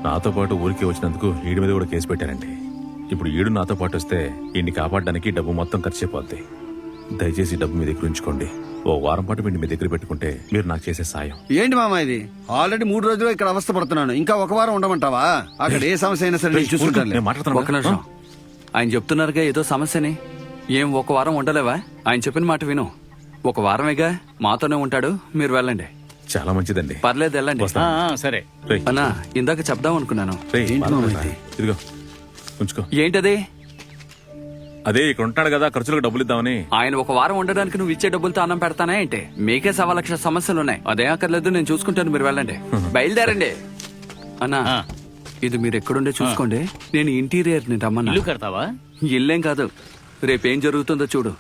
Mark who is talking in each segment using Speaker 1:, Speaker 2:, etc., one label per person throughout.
Speaker 1: నాతో పాటు ఊరికి వచ్చినందుకు ఈడి మీద కూడా కేసు పెట్టారండి. ఇప్పుడు ఈడు నాతో పాటు వస్తే ఈయన్ని కాపాడడానికి డబ్బు మొత్తం ఖర్చు అయిపోద్ది. దయచేసి డబ్బు మీ దగ్గర ఉంచుకోండి. ఓ వారం పాటు వీడిని మీ దగ్గర పెట్టుకుంటే మీరు నాకు చేసే సాయం.
Speaker 2: ఏంటి మామ ఇది? ఆల్రెడీ 3 రోజులు ఇక్కడ అవస్థ పడుతున్నాను, ఇంకా ఒక వారం ఉండమంటావా? అక్కడ ఏ సమస్య అయినా సరే చూసుకుంటాను.
Speaker 1: నేను మాట్లాడుతాను.
Speaker 3: ఒక్క నిమిషం. ఆయన చెప్తున్నారుగా ఏదో సమస్యని. ఏం ఒక వారం ఉండలేవా? ఆయన చెప్పిన మాట విను. ఒక వారమేగా, మాతోనే ఉంటాడు, మీరు వెళ్ళండి.
Speaker 1: చాలా మంచిదండి.
Speaker 3: పర్లేదు, వెళ్ళండి.
Speaker 4: సరే
Speaker 3: అన్నా, ఇందాక చెప్దాం అనుకున్నాను.
Speaker 1: ఇదిగో ఉంచుకో.
Speaker 3: ఏంటది?
Speaker 1: అదే ఇక్కడ ఉంటాడు కదా, ఖర్చులకు డబ్బులు ఇద్దామని.
Speaker 3: ఆయన ఒక వారం ఉండడానికి నువ్వు ఇచ్చే డబ్బులతో అన్నం పెడతానే ఏంటి? మీకే 1,00,000 సమస్యలున్నాయి. అదే అక్కర్లేదు, నేను చూసుకుంటాను, మీరు వెళ్ళండి. బయలుదేరండి. అన్నా, ఇది మీరు ఎక్కడుండే చూసుకోండి. నేను ఇంటీరియర్ ని రమ్మన్నా.
Speaker 4: ఇల్లు కడతావా?
Speaker 3: ఇల్లేం కాదు, రేపేం జరుగుతుందో చూడు.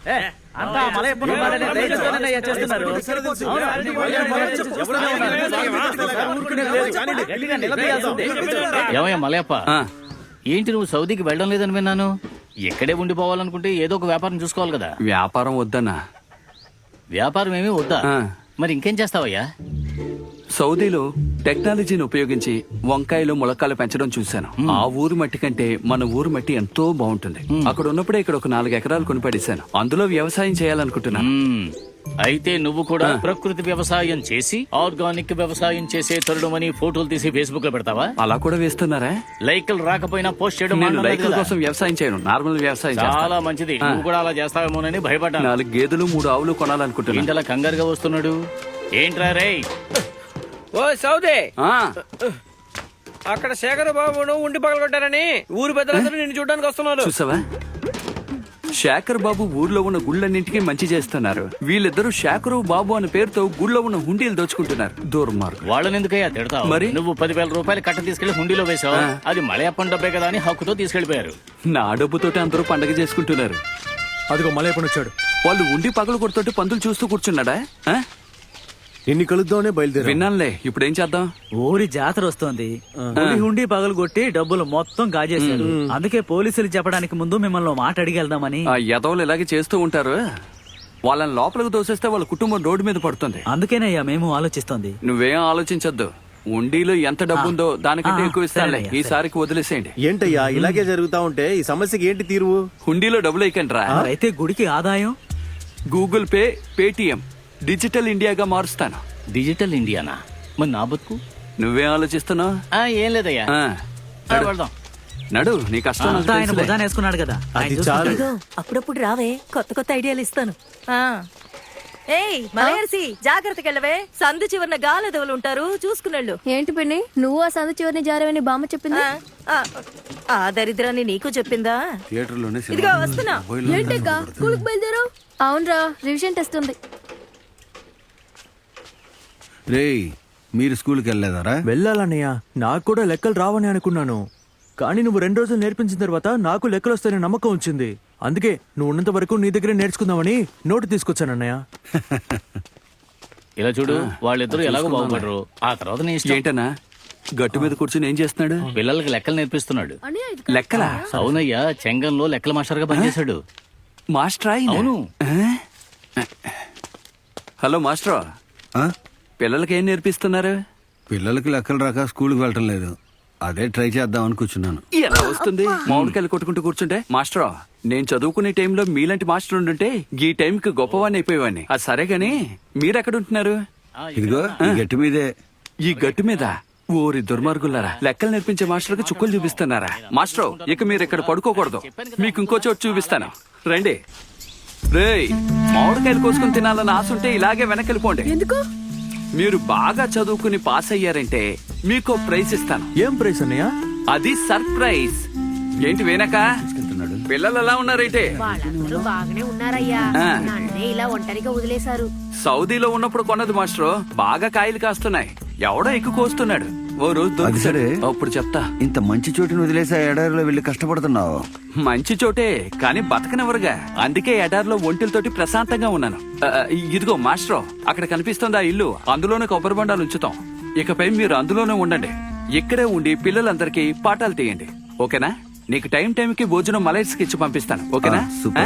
Speaker 4: ఏమయ్యా మలయప్ప, ఏంటి నువ్వు సౌదీకి వెళ్ళడం లేదని విన్నాను. ఎక్కడే ఉండిపోవాలనుకుంటే ఏదో ఒక వ్యాపారం చూసుకోవాలి కదా.
Speaker 3: వ్యాపారం వద్దన్నా.
Speaker 4: వ్యాపారం ఏమీ వద్దా? మరి ఇంకేం చేస్తావయ్యా?
Speaker 3: సౌదీలో టెక్నాలజీని ఉపయోగించి వంకాయలు ములక్కాయలు పెంచడం చూశాను. ఆ ఊరు మట్టి కంటే మన ఊరు మట్టి ఎంతో బాగుంటుంది. అక్కడ ఉన్నప్పుడే ఇక్కడ ఒక 4 ఎకరాలు కొనిపడేశాను. అందులో వ్యవసాయం చేయాలనుకుంటున్నాను.
Speaker 4: అయితే నువ్వు కూడా ప్రకృతి వ్యవసాయం చేసి ఆర్గానిక్ వ్యవసాయం చేసే తరుణమని ఫోటోలు తీసి ఫేస్బుక్ లో పెడతావా?
Speaker 3: అలా కూడా వేస్తున్నారా?
Speaker 4: లైకులు రాకపోయినా పోస్ట్ చేయడం.
Speaker 3: నేను లైకుల కోసం వ్యవసాయం చేయను, నార్మల్ వ్యవసాయం చేస్తాను.
Speaker 4: చాలా మంచిది. నువ్వు కూడా అలా చేస్తావేమోనని భయపడ్డాను.
Speaker 3: 4 గేదెలు 3 ఆవులు కొనాలనుకుంటున్నాను.
Speaker 4: ఇంతలా కంగారుగా వస్తున్నాడు ఏంట్రా రేయ్?
Speaker 5: ఓ సౌదే,
Speaker 3: ఆ,
Speaker 5: అక్కడ శేఖర్ బాబును ఉండి పగలగొట్టారని ఊరు పెద్దలందరూ నిన్ను చూడడానికి వస్తున్నారు.
Speaker 3: చూసావా? శేఖర్ బాబు ఊర్లో ఉన్న గుళ్ళన్నింటికి మంచి చేస్తున్నారు. వీళ్ళిద్దరూ శేఖరు బాబు అనే పేరుతో గుళ్ళో ఉన్న హుండీలు దోచుకుంటున్నారు. దుర్మార్గం.
Speaker 4: వాళ్ళని ఎందుకయ్యా తిడతావు?
Speaker 3: మరి?
Speaker 4: నువ్వు 10,000 రూపాయలు కట్ట తీసుకెళ్లి హుండీలో వేసావు. అది మలయప్పన్ డబ్బే కదా అని హక్కుతో తీసుకెళ్లిపోయారు.
Speaker 3: నా డబ్బుతోటి అందరూ పండగ చేసుకుంటున్నారు.
Speaker 6: అదిగో మలయప్పన్ వచ్చాడు.
Speaker 3: వాళ్ళు ఉండి పగలు కొడుతుంటే పందులు చూస్తూ కూర్చున్నాడా?
Speaker 6: నిన్ను కలుద్దామనే బయలుదేరి.
Speaker 3: విన్నానులే, ఇప్పుడు ఏం చేద్దాం?
Speaker 7: ఊరి జాతర వస్తోంది. హుండీ పగలు కొట్టి డబ్బులు మొత్తం గాజేశారు. అందుకే పోలీసులు చెప్పడానికి ముందు మిమ్మల్ని మాట అడిగి వెళ్దామని.
Speaker 3: ఆ యదవులు ఇలాగే చేస్తూ ఉంటారు. వాళ్ళని లోపలికి దోసేస్తే వాళ్ళ కుటుంబం రోడ్డు మీద పడుతుంది.
Speaker 7: అందుకేనయ్యా మేము ఆలోచిస్తోంది.
Speaker 3: నువ్వేం ఆలోచించద్దు. ఉండిలో ఎంత డబ్బుందో దానికంటే ఎక్కువ ఇస్తానులే. ఈసారికి వదిలేసేయండి.
Speaker 6: ఏంటయ్యా ఇలాగే జరుగుతా ఉంటే ఈ సమస్యకి ఏంటి తీరువు?
Speaker 3: హుండీలో డబ్బులు వేయకండి.
Speaker 7: అయితే గుడికి ఆదాయం
Speaker 3: గూగుల్ పే, పేటిఎం డిజిటల్ ఇండియాగా మారుస్తాను.
Speaker 4: డిజిటల్ ఇండియానా? మరి నా బతుకు?
Speaker 3: నువ్వేం ఆలోచిస్తున్నావు?
Speaker 4: ఏం లేదయ్యా, వెళ్దాం.
Speaker 3: నడు, నీ కష్టం నాకు
Speaker 7: అంతా ఆయన
Speaker 3: తెలుసులే.
Speaker 7: భుజాన వేసుకున్నాడు కదా.
Speaker 6: అది చాలు.
Speaker 8: అప్పుడప్పుడు రావే, కొత్త కొత్త ఐడియాలు ఇస్తాను. ఏయ్ మలయర్సి, జాగ్రత్తగా వెళ్ళవే. సందు చివరిన గాలదవులు ఉంటారు, చూసుకునేళ్ళు.
Speaker 9: ఏంటి పిన్ని, నువ్వు ఆ సందు చివరిని జారవని బామ్మ చెప్పింది.
Speaker 8: ఆ దరిద్రాన్ని నీకు చెప్పిందా?
Speaker 2: థియేటర్లోనే
Speaker 8: ఇదిగో వస్తున్నా.
Speaker 9: ఏంటక్క స్కూల్కి బయలుదేరు? అవునరా, రివిజన్ టెస్ట్ ఉంది.
Speaker 2: రేయ్, మీరు స్కూల్కి వెళ్ళలేదారా?
Speaker 6: వెళ్ళాలన్నయ్య, నాకు కూడా లెక్కలు రావని అనుకున్నాను. కానీ నువ్వు 2 రోజులు నేర్పించిన తర్వాత నాకు లెక్కలు వస్తాయనే నమ్మకం వచ్చింది. అందుకే నువ్వు ఉన్నంత వరకు నీ దగ్గరే నేర్చుకుందామని నోటు తీసుకొచ్చానన్నయ్య.
Speaker 4: ఇలా చూడు, వాళ్ళిద్దరూ ఎలాగో బాగుపడరు. ఆ తర్వాత నీ ఇష్టం.
Speaker 3: ఏంటన్నా గట్టు మీద కూర్చుని ఏం చేస్తున్నాడు?
Speaker 4: పిల్లలకి లెక్కలు నేర్పిస్తున్నాడు.
Speaker 3: లెక్కలా?
Speaker 4: అవునయ్యా, చెంగంలో లెక్కల మాస్టర్ గా పనిచేశాడు.
Speaker 3: మాస్టరా?
Speaker 4: అవును.
Speaker 3: హలో మాస్టర్, పిల్లలకి ఏం నేర్పిస్తున్నారు?
Speaker 2: పిల్లలకి లెక్కలు రాక స్కూల్కి వెళ్ళటం లేదు. అదే ట్రై చేద్దాం అని కూర్చున్నాను.
Speaker 3: ఎలా వస్తుంది? మామిడికాయలు కొట్టుకుంటూ కూర్చుంటే. మాస్టర్, నేను చదువుకునే టైంలో మీలాంటి మాస్టర్ ఉండుంటే ఈ టైంకి గొప్పవాడిని అయిపోయేవాడిని. అది సరే గాని మీరెక్కడ ఉంటున్నారు?
Speaker 2: ఇదిగో ఈ గట్టి మీదే.
Speaker 3: ఈ గట్టు మీద? ఓరి దుర్మార్గులారా, లెక్కలు నేర్పించే మాస్టర్కి చుక్కలు చూపిస్తున్నారా? మాస్టర్, ఇక మీరు ఇక్కడ పడుకోకూడదు. మీకు ఇంకో చోటు చూపిస్తాను, రండి. రేయ్, మామిడికాయలు కోసుకుని తినాలని ఆశ ఉంటే ఇలాగే వెనకెళ్ళిపోండి.
Speaker 9: ఎందుకు?
Speaker 3: మీరు బాగా చదువుకుని పాస్ అయ్యారంటే మీకు ప్రైజ్ ఇస్తాను.
Speaker 6: ఏం ప్రైస్ అన్నయ్య?
Speaker 3: అది సర్ప్రైజ్. ఏంటి వెనక పిల్లలు ఎలా ఉన్నారైతే?
Speaker 9: వాళ్ళందరూ బాగానే ఉన్నారయ్యా. నన్నే ఇలా ఒంటరిగా వదిలేశారు.
Speaker 3: సౌదీలో ఉన్నప్పుడు కొన్నది మాస్టర్, బాగా కాయలు కాస్తున్నాయి. ఎవడో ఎక్కువ కోస్తున్నాడు. ఓ రోజు
Speaker 2: అది సరే,
Speaker 3: అప్పుడు చెప్తా.
Speaker 2: ఇంత మంచి చోటుని వదిలేసి ఆ ఎడారిలో వెళ్ళి కష్టపడుతున్నావు.
Speaker 3: మంచి చోటే, కానీ బతకనెవరుగా. అందుకే ఎడారిలో ఒంటిలతోటి ప్రశాంతంగా ఉన్నాను. ఇదిగో మాస్టర్, అక్కడ కనిపిస్తుంది ఆ ఇల్లు. అందులోనే కొబ్బరి బొండాలు ఉంచుతాం. ఇకపై మీరు అందులోనే ఉండండి. ఇక్కడే ఉండి పిల్లలందరికీ పాఠాలు తీయండి, ఓకేనా? నీకు టైంకి భోజనం మలయర్స్కి ఇచ్చి పంపిస్తాను, ఓకేనా?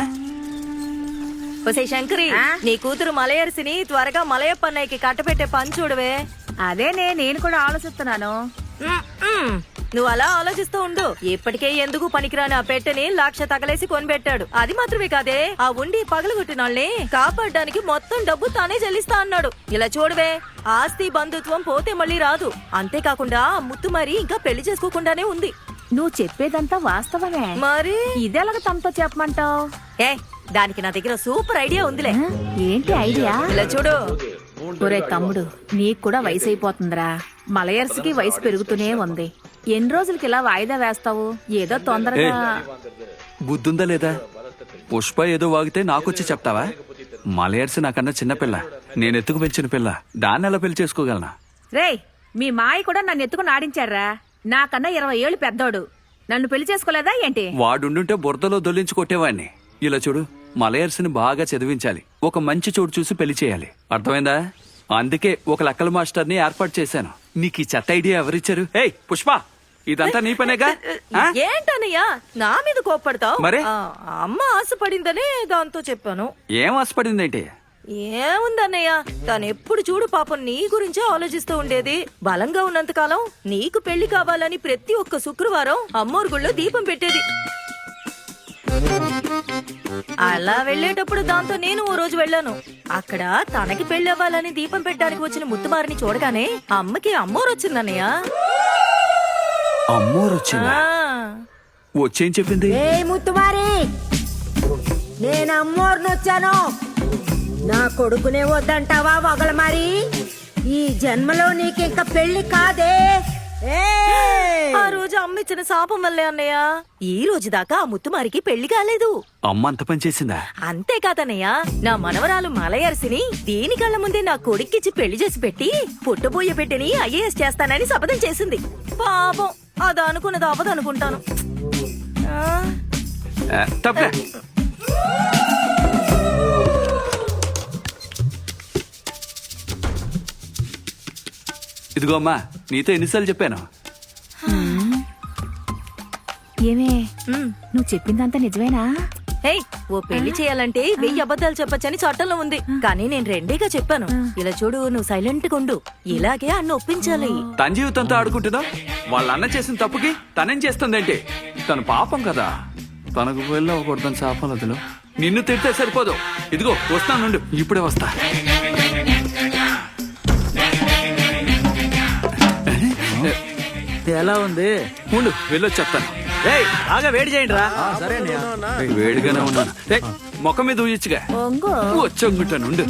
Speaker 8: ఒసే శంకరి, నీ కూతురు మలయర్సిని త్వరగా మలయప్పన్నయ్యకి కట్టపెట్టే పని చూడవే.
Speaker 9: అదేనే నేను కూడా ఆలోచిస్తున్నాను.
Speaker 8: నువ్వు అలా ఆలోచిస్తూ ఉండు. ఇప్పటికే ఎందుకు పనికిరాని ఆ పెట్టెని 1,00,000 తగలేసి కొనిపెట్టాడు. అది మాత్రమే కాదే, ఆ ఉండి పగలగొట్టిన వాళ్ళని కాపాడడానికి మొత్తం డబ్బు తానే చెల్లిస్తా అన్నాడు. ఇలా చూడవే, ఆస్తి బంధుత్వం పోతే మళ్ళీ రాదు. అంతేకాకుండా ఆ ముత్తు మరి ఇంకా పెళ్లి చేసుకోకుండానే ఉంది.
Speaker 9: నువ్వు చెప్పేదంతా వాస్తవమే.
Speaker 8: మరి
Speaker 9: ఇదెలాగ తమతో చెప్పమంటావు?
Speaker 8: ఏ దానికి నా దగ్గర సూపర్ ఐడియా ఉందిలే.
Speaker 9: ఏంటి ఐడియా?
Speaker 8: ఇలా చూడు.
Speaker 9: ఒరే తమ్ముడు, నీకు కూడా వయసు అయిపోతుందిరా. మలయర్స్కి వయసు పెరుగుతూనే ఉంది. ఎన్ని రోజులకి ఇలా వాయిదా వేస్తావు? ఏదో తొందరగా.
Speaker 3: బుద్ధుందా లేదా? పుష్ప ఏదో వాగితే నాకొచ్చి చెప్తావా? మలయర్స్ నాకన్నా చిన్నపిల్ల, నేను ఎత్తుకు పెంచిన పిల్ల, దాన్ని ఎలా పెళ్లి చేసుకోగలనా?
Speaker 9: రేయ్, మీ మాయ కూడా నన్ను ఎత్తుకుని ఆడించారా? నాకన్నా 20 ఏళ్ళు పెద్దోడు. నన్ను పెళ్లి చేసుకోలేదా ఏంటి?
Speaker 3: వాడుండుంటే బురదలో దొల్లించి కొట్టేవాడిని. ఇలా చూడు, మలయర్స్ని బాగా చదివించాలి, ఒక మంచి చోటు చూసి పెళ్లి చేయాలి. అర్థమైందా? అందుకే ఒక లెక్కల మాస్టర్ని ఏర్పాటు చేశాను. నీకు ఈ చెత్త ఐడియా ఎవరిచ్చారు? ఏయ్ పుష్ప, ఇదంతా నీ పనేగా? ఆ?
Speaker 8: ఏంటన్నయ్యా నా మీద కోప్పడతావు?
Speaker 3: మరే?
Speaker 8: అమ్మ ఆశపడిందనే దాంతో చెప్పాను.
Speaker 3: ఏం ఆశపడిందేంటి?
Speaker 8: ఏముందన్నయ్య, తను ఎప్పుడు చూడు పాపం నీ గురించే ఆలోచిస్తూ ఉండేది. బలంగా ఉన్నంత కాలం నీకు పెళ్లి కావాలని ప్రతి ఒక్క శుక్రవారం అమ్మోరు గుళ్ళో దీపం పెట్టేది. అలా వెళ్ళేటప్పుడు దాంతో నేను ఓ రోజు వెళ్ళాను. అక్కడ తనకి పెళ్లి అవ్వాలని దీపం పెట్టడానికి వచ్చిన ముత్తుమారిని చూడగానే అమ్మకి అమ్మోరు వచ్చిందన్నయ్య.
Speaker 3: అమ్మోరొచ్చిందా? వచ్చేం చెప్పింది?
Speaker 10: ఏ ముత్తుమారి, నేను అమ్మోరుని వచ్చాను. నా కొడుకునే వద్దంటావా వగల మరి? ఈ జన్మలో నీకింక పెళ్లి కాదే.
Speaker 8: ఆ రోజు అమ్మ ఇచ్చిన శాపం వల్లే అన్నయ్య ఈ రోజు దాకా ఆ ముత్తుమారికి పెళ్లి కాలేదు.
Speaker 3: అమ్మ అంత పని చేసిందా?
Speaker 8: అంతేకాదన్నయ్య, నా మనవరాలు మలయర్సిని దీని కళ్ళ ముందే నా కొడుక్కిచ్చి పెళ్లి చేసి పెట్టి పుట్టబోయే బిడ్డని ఐఏఎస్ చేస్తానని శపథం చేసింది. పాపం అది అనుకున్నది అవ్వదనుకుంటాను.
Speaker 3: తప్పే. ఇదిగో అమ్మా, నీతో ఎన్నిసార్లు చెప్పాను?
Speaker 9: ఏమే, నువ్వు చెప్పిందంతా నిజమేనా?
Speaker 8: ఏయ్, ఓ పెళ్లి చేయాలంటే 1000 అబద్ధాలు చెప్పొచ్చని చట్టంలో ఉంది. కానీ నేను 2గా చెప్పాను. ఇలా చూడు, నువ్వు సైలెంట్ గా ఉండు. ఇలాగే అన్న ఒప్పించాలి.
Speaker 3: తన జీవితంతో ఆడుకుంటుందా? వాళ్ళ అన్న చేసిన తప్పుకి తనేం చేస్తుందేంటి? తను పాపం కదా, తనకు వెళ్ళకూడదని శాపలతలో నిన్ను తిడితే సరిపోదు. ఇదిగో వస్తానుండు, ఇప్పుడే వస్తా.
Speaker 7: ఎలా ఉంది?
Speaker 3: ఉండు, వెళ్ళొచ్చి చెప్తాను.
Speaker 7: బాగా వేడి చేయండి రా.
Speaker 3: వేడిగానే ఉన్నాను. మొక్క మీద ఊయచ్చుగా. వచ్చొంగుంటాను, ఉండు.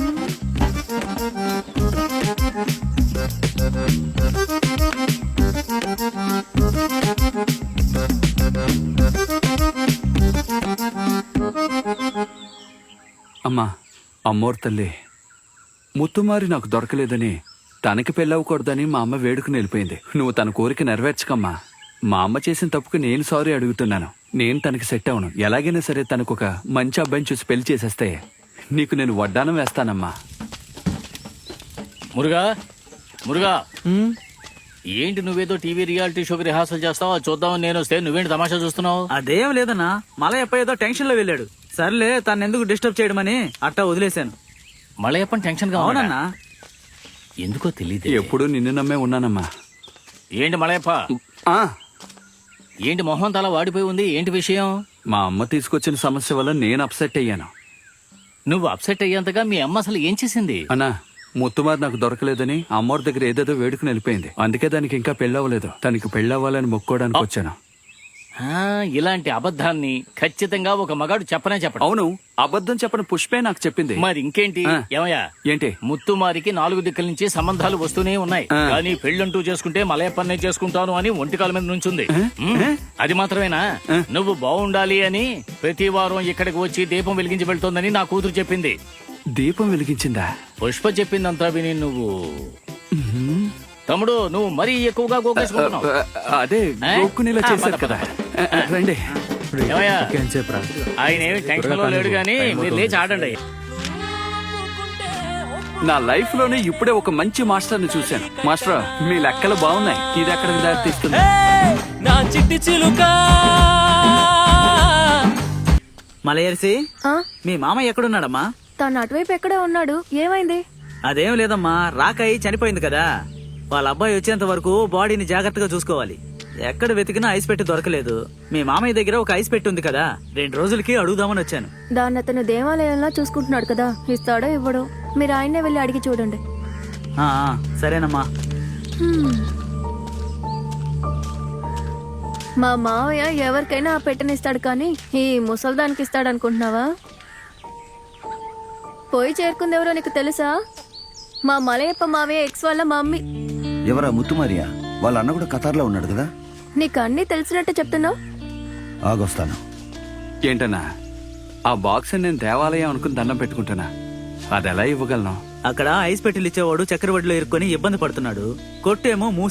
Speaker 3: అమ్మా, అమ్మోరు తల్లి, ముత్తుమారి నాకు దొరకలేదని, తనకి పెళ్ళవకూడదని మా అమ్మ వేడుకుని వెళ్ళిపోయింది. నువ్వు తన కోరిక నెరవేర్చకమ్మా. మా అమ్మ చేసిన తప్పుకు నేను సారీ అడుగుతున్నాను. నేను తనకి సెట్ అవను. ఎలాగైనా సరే తనకు ఒక మంచి అబ్బాయిని చూసి పెళ్లి చేసేస్తే నీకు నేను వడ్డానం వేస్తానమ్మా.
Speaker 4: మురుగా, మురుగా, ఏంటి నువ్వేదో టీవీ రియాలిటీ షోకి రిహార్సల్ చేస్తావా? చూద్దామని నేను వస్తే నువ్వేంటి తమాషా చూస్తున్నావు?
Speaker 7: అదేం లేదన్నా, మలయప్ప ఏదో టెన్షన్ లో వెళ్ళాడు. సర్లే, తను ఎందుకు డిస్టర్బ్ చేయడమని అట్టా వదిలేశాను.
Speaker 4: మలయప్పని టెన్షన్ గా
Speaker 7: అవునన్నా.
Speaker 4: ఎందుకో తెలియదు.
Speaker 3: ఎప్పుడు నిన్ను నమ్మే ఉన్నానమ్మా.
Speaker 4: ఏంటి మలయప్ప, ఏంటి మొహం తల వాడిపోయి ఉంది? ఏంటి విషయం?
Speaker 3: మా అమ్మ తీసుకొచ్చిన సమస్య వల్ల నేను అప్సెట్ అయ్యాను.
Speaker 4: నువ్వు అప్సెట్ అయ్యేంతగా మీ అమ్మ అసలు ఏం చేసింది?
Speaker 3: అన్నా, ముత్తుమారి నాకు దొరకలేదని అమ్మోరి దగ్గర ఏదేదో వేడుకుని వెళ్ళిపోయింది. అందుకే దానికి ఇంకా పెళ్ళవ్వలేదు. తనకి పెళ్ళవ్వాలని మొక్కోడానికి వచ్చాను.
Speaker 4: ఇలాంటి అబద్ధాన్ని ఖచ్చితంగా ఒక మగాడు చెప్పనే చెప్పడు.
Speaker 3: అవును, అబద్ధం చెప్పని పుష్పే నాకు చెప్పింది.
Speaker 4: మరి ఇంకేంటి? ఏమయ్యా,
Speaker 3: ఏంటి?
Speaker 4: ముత్తుమారికి 4 దిక్కుల నుంచి సంబంధాలు వస్తూనే ఉన్నాయి. కానీ పెళ్ళంటూ చేసుకుంటే మలయప్పన్నే చేసుకుంటాను అని ఒంటికాల మీద నుంచుంది. అది మాత్రమేనా, నువ్వు బాగుండాలి అని ప్రతి వారం ఇక్కడికి వచ్చి దీపం వెలిగించి వెళ్తోందని నా కూతురు చెప్పింది.
Speaker 3: దీపం వెలిగించిందా?
Speaker 4: పుష్ప చెప్పిందంతా విని నువ్వు తమ్ముడు నువ్వు మరీ ఎక్కువగా గోకేసుకుంటున్నావు.
Speaker 3: అదే గోక్కునేలా చేశారు కదా. రండి.
Speaker 4: ఏమయ్యా, ఆయన ఏమి టెన్షన్ లో లేడు గానీ మీరు లేచి ఆడండి.
Speaker 3: నా లైఫ్ లోనే ఇప్పుడే ఒక మంచి మాస్టర్ ని చూశాను. మాస్టర్, మీ లెక్కలు బాగున్నాయి. ఇది ఎక్కడికి దారి తీస్తుంది?
Speaker 5: నా చిట్టి చిలుక.
Speaker 7: మలయర్సి, మీ మామ ఎక్కడున్నాడమ్మా?
Speaker 9: తను అటువైపు ఎక్కడే ఉన్నాడు. ఏమైంది?
Speaker 7: అదేం లేదమ్మా, రాకై చనిపోయింది కదా, వాళ్ళ అబ్బాయి వచ్చేంత వరకు బాడీని జాగ్రత్తగా చూసుకోవాలి. ఎక్కడ వెతికినా ఐస్ పెట్టి దొరకలేదు. మీ మామయ్య దగ్గర ఒక ఐస్ పెట్టి ఉంది కదా, 2 రోజులకి అడుగుదామని వచ్చాను.
Speaker 11: దాన్ని అతను దేవాలయంలో చూసుకుంటున్నాడు కదా, ఇస్తాడో ఇవ్వడో మీరు ఆయన్నే వెళ్ళి అడిగి చూడండి.
Speaker 7: సరేనమ్మా.
Speaker 11: మా మావయ్య ఎవరికైనా ఆ పెట్టనిస్తాడు కానీ ఈ ముసల్దానికి ఇస్తాడు అనుకుంటున్నావా? పోయి చేరుకుంది ఎవరో నీకు తెలుసా? మా మలయప్ప మావయ్య ఎక్స్ వాళ్ళ మమ్మీ.
Speaker 2: ఎవరా ముత్తుమారియా? వాళ్ళ అన్న కూడా ఖతార్లో ఉన్నాడు కదా.
Speaker 11: నీకు అన్నీ తెలిసినట్టు చెప్తున్నావు.
Speaker 2: ఆగొస్తాను.
Speaker 3: ఏంటన్నా ఆ బాక్స్ నేను దేవాలయం అనుకుని దండం పెట్టుకుంటానా? అది ఎలా ఇవ్వగలను?
Speaker 7: అక్కడ ఐస్ పెట్టెలు ఇచ్చేవాడు చక్రవడిలో ఇరుక్కొని ఇబ్బంది పడుతున్నాడు. కొట్టేమో మూసి